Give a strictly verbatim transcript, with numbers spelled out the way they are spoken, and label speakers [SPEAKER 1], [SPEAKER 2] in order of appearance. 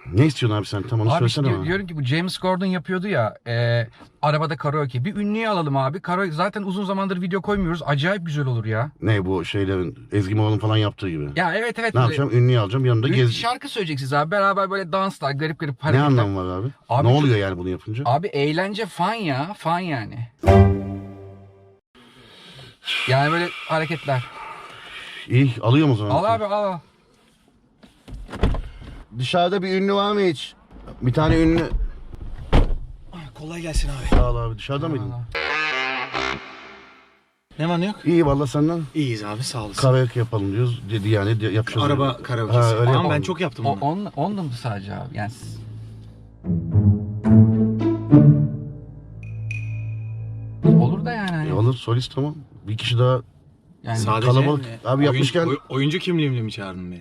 [SPEAKER 1] Ne istiyorsun abi sen? Tam onu
[SPEAKER 2] Abi
[SPEAKER 1] söylesene
[SPEAKER 2] işte
[SPEAKER 1] bana.
[SPEAKER 2] diyorum ki bu James Corden yapıyordu ya e, arabada karaoke. Bir ünlüyü alalım abi. Karaoke zaten uzun zamandır video koymuyoruz. Acayip güzel olur ya.
[SPEAKER 1] Ne bu şeylerin Ezgi Moğol'un falan yaptığı gibi.
[SPEAKER 2] Ya evet evet.
[SPEAKER 1] Ne yapacağım? Ünlüyü alacağım yanında
[SPEAKER 2] Ün-
[SPEAKER 1] gez.
[SPEAKER 2] Şarkı söyleyeceksiniz abi. Beraber böyle danslar, garip garip
[SPEAKER 1] Ne
[SPEAKER 2] hareketler.
[SPEAKER 1] anlamı var abi?
[SPEAKER 2] Abi
[SPEAKER 1] ne
[SPEAKER 2] çok-
[SPEAKER 1] oluyor yani bunu yapınca?
[SPEAKER 2] Abi eğlence fan ya. Fan yani. Yani böyle hareketler.
[SPEAKER 1] İyi alıyorum o zaman.
[SPEAKER 2] Al abi al.
[SPEAKER 1] Dışarıda bir ünlü var mı hiç? Bir tane ünlü.
[SPEAKER 3] Kolay gelsin abi.
[SPEAKER 1] Sağ ol abi. Dışarıda mıydın?
[SPEAKER 3] Ne var ne yok?
[SPEAKER 1] İyi valla senden.
[SPEAKER 3] İyiyiz abi sağ olasın.
[SPEAKER 1] Karaoke yapalım diyoruz. Dedi yani de- yapacağız.
[SPEAKER 3] Araba
[SPEAKER 1] öyle.
[SPEAKER 3] karaokesi.
[SPEAKER 1] Ha, öyle
[SPEAKER 3] Ama
[SPEAKER 1] yapalım.
[SPEAKER 3] ben çok yaptım
[SPEAKER 2] O,
[SPEAKER 3] onu.
[SPEAKER 2] on, onunla mı sadece abi? Yani siz- Olur da yani. Hani.
[SPEAKER 1] E, olur solist tamam. Bir kişi daha
[SPEAKER 2] Yani
[SPEAKER 3] Sadece
[SPEAKER 1] kalabalık. Abi
[SPEAKER 3] oyun-
[SPEAKER 1] yapmışken-
[SPEAKER 3] oy- oyuncu kimliğimle mi çağırdın beni?